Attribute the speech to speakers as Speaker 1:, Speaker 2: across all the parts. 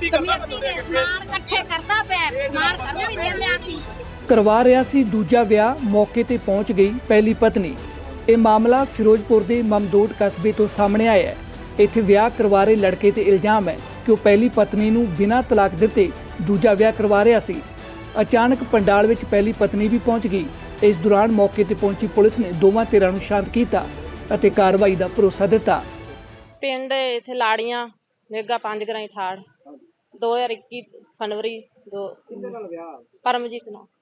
Speaker 1: Committee ਦੇ ਸਮਾਨ ਇਕੱਠੇ ਕਰਦਾ ਪਿਆ, ਸਮਾਨ ਘਰੋਂ ਹੀ ਲਿਆ ਸੀ।
Speaker 2: ਕਰਵਾ ਰਿਹਾ ਸੀ ਦੂਜਾ ਵਿਆਹ, ਮੌਕੇ ਤੇ ਪਹੁੰਚ ਗਈ ਪਹਿਲੀ ਪਤਨੀ। ਇਹ ਮਾਮਲਾ ਫਿਰੋਜ਼ਪੁਰ ਦੇ ਮਮਦੋਟ ਕਸਬੇ ਤੋਂ ਸਾਹਮਣੇ ਆਇਆ ਹੈ। ਇੱਥੇ ਵਿਆਹ ਕਰਵਾ ਰਹੇ ਲੜਕੇ ਤੇ ਇਲਜ਼ਾਮ ਹੈ ਕਿ ਉਹ ਪਹਿਲੀ ਪਤਨੀ ਨੂੰ ਬਿਨਾਂ ਤਲਾਕ ਦਿੱਤੇ ਦੂਜਾ ਵਿਆਹ ਕਰਵਾ ਰਿਹਾ ਸੀ। ਅਚਾਨਕ ਪੰਡਾਲ ਵਿੱਚ ਪਹਿਲੀ ਪਤਨੀ ਵੀ ਪਹੁੰਚ ਗਈ। ਇਸ ਦੌਰਾਨ ਮੌਕੇ ਤੇ ਪਹੁੰਚੀ ਪੁਲਿਸ ਨੇ ਦੋਵਾਂ ਧਿਰਾਂ ਨੂੰ ਸ਼ਾਂਤ ਕੀਤਾ ਅਤੇ ਕਾਰਵਾਈ ਦਾ ਭਰੋਸਾ ਦਿੱਤਾ।
Speaker 3: ਪਿੰਡ ਇੱਥੇ ਲਾੜੀਆਂ ਮੇਗਾ 5 ਗਰਾਈ ਠਾੜ 2021 ਫਰਵਰੀ ਪਰਮਜੀਤ ਨਾਲ।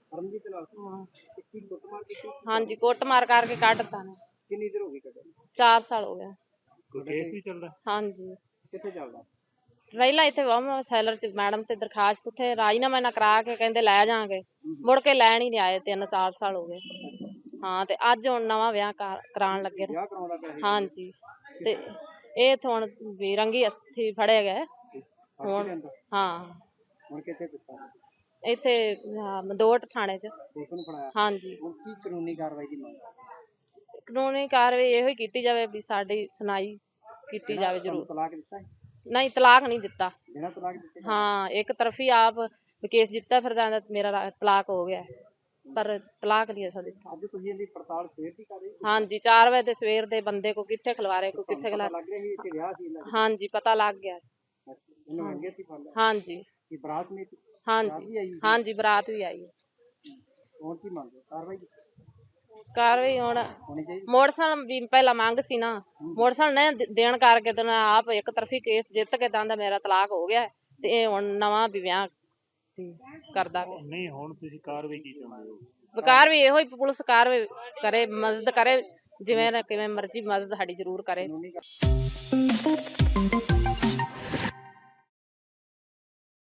Speaker 3: ਹਾਂਜੀ, ਕੁੱਟਮਾਰ ਕਰਕੇ ਕੱਢਤਾ ਨੇ।
Speaker 4: ਕਿੰਨੀ ਦੇਰ ਹੋ ਗਈ ਕੱਢੇ?
Speaker 3: 4 ਸਾਲ ਹੋ ਗਿਆ।
Speaker 4: ਕੋਈ ਕੇਸ ਵੀ ਚੱਲਦਾ?
Speaker 3: ਹਾਂਜੀ,
Speaker 4: ਕਿੱਥੇ ਚੱਲਦਾ?
Speaker 3: ਪਹਿਲਾਂ ਇੱਥੇ ਵਮ ਸੈਲਰ ਚ ਮੈਡਮ ਤੇ ਦਰਖਾਸਤ ਉੱਥੇ ਰਾਜੀਨਾਮਾ ਨਾ ਕਰਾ ਕੇ ਕਹਿੰਦੇ ਲੈ ਜਾਾਂਗੇ, ਮੁੜ ਕੇ ਲੈਣ ਹੀ ਨਹੀਂ ਆਏ। 3-4 ਸਾਲ ਹੋ ਗਏ। ਹਾਂ, ਤੇ ਅੱਜ ਹੁਣ ਨਵਾਂ ਵਿਆਹ ਕਰਾਉਣ ਲੱਗੇ ਨੇ।
Speaker 4: ਵਿਆਹ ਕਰਾਉਂਦਾ ਪਿਆ ਸੀ? ਹਾਂਜੀ,
Speaker 3: ਤੇ ਇਹ ਹੁਣ ਵੀ ਰੰਗੀ ਅਸਥੀ ਫੜੇ ਗਏ ਹੁਣ। ਹਾਂ,
Speaker 4: ਹੁਣ ਕਿੱਥੇ ਦਿੱਤਾ?
Speaker 3: ਇੱਥੇ ਮਦੋਟ ਥਾਣੇ ਚ।
Speaker 4: ਪੁਲਿਸ ਨੂੰ ਫੜਾਇਆ? ਹਾਂਜੀ। ਹੁਣ ਕੀ ਕਾਨੂੰਨੀ ਕਾਰਵਾਈ ਦੀ ਮੰਗ?
Speaker 3: ਕਾਨੂੰਨੀ ਕਾਰਵਾਈ ਇਹੋ ਹੀ ਕੀਤੀ ਜਾਵੇ ਵੀ ਸਾਡੀ ਸੁਣਾਈ ਕੀਤੀ ਜਾਵੇ ਜ਼ਰੂਰ।
Speaker 4: ਤਲਾਕ ਦਿੱਤਾ?
Speaker 3: ਨਹੀਂ, ਤਲਾਕ ਨਹੀਂ ਦਿੱਤਾ।
Speaker 4: ਬਿਨਾਂ ਤਲਾਕ ਦਿੱਤੇ?
Speaker 3: ਹਾਂ, ਇੱਕ ਤਰਫੀ ਆਪ ਕੇਸ ਜਿੱਤਾ ਫਿਰਦਾ ਮੇਰਾ ਤਲਾਕ ਹੋ ਗਿਆ, ਪਰ ਤਲਾਕ ਨਹੀਂ ਅਸਾਂ ਦਿੱਤਾ।
Speaker 4: ਅੱਜ ਤੁਸੀਂ ਇਹਦੀ ਪੜਤਾਲ ਸਵੇਰ ਦੀ ਕਰ ਰਹੇ ਹੋ?
Speaker 3: ਹਾਂਜੀ, 4 ਵਜੇ ਦੇ ਸਵੇਰ ਦੇ ਬੰਦੇ ਕੋ ਕਿੱਥੇ ਖਿਲਵਾਰੇ, ਕੋ ਕਿੱਥੇ
Speaker 4: ਪਤਾ ਲੱਗ ਰਿਹਾ ਸੀ ਕਿ ਵਿਆਹ ਸੀ ਇਹਨਾਂ ਦਾ?
Speaker 3: ਹਾਂਜੀ, ਪਤਾ ਲੱਗ ਗਿਆ।
Speaker 4: ਇਹਨੂੰ ਰੰਗੇ ਹੱਥੀਂ ਫੜ ਲਿਆ? ਹਾਂਜੀ। ਕੀ ਬਰਾਤ ਨਹੀਂ?
Speaker 3: ਹਾਂਜੀ, ਹਾਂਜੀ, ਬਰਾਤ ਵੀ ਆਈ।
Speaker 4: ਹੁਣ ਕੀ ਮੰਗ ਕਾਰਵਾਈ?
Speaker 3: ਕਾਰਵਾਈ ਹੁਣ ਮੋਟਰਸਾਈਕਲ ਵੀ ਪਹਿਲਾਂ ਮੰਗ ਸੀ ਨਾ, ਮੋਟਰਸਾਈਕਲ ਨਹੀਂ ਦੇਣ ਕਰਕੇ ਤੇ ਆਪ ਇੱਕ ਤਰਫੀ ਕੇਸ ਜਿੱਤ ਕੇ ਦੰਦਾ ਮੇਰਾ ਤਲਾਕ ਹੋ ਗਿਆ ਤੇ ਇਹ ਹੁਣ ਨਵਾਂ ਵੀ ਵਿਆਹ ਕਰਦਾ ਪਿਆ।
Speaker 4: ਨਹੀਂ, ਹੁਣ ਤੁਸੀਂ ਕਾਰਵਾਈ ਕੀ ਚਾਹੁੰਦੇ ਹੋ?
Speaker 3: ਕਾਰਵਾਈ ਇਹੋ ਹੀ ਪੁਲਿਸ ਕਾਰਵਾਈ ਕਰੇ, ਮਦਦ ਕਰੇ, ਜਿਵੇਂ ਨਾ ਕਿਵੇਂ ਮਰਜ਼ੀ ਮਦਦ ਸਾਡੀ ਜ਼ਰੂਰ ਕਰੇ।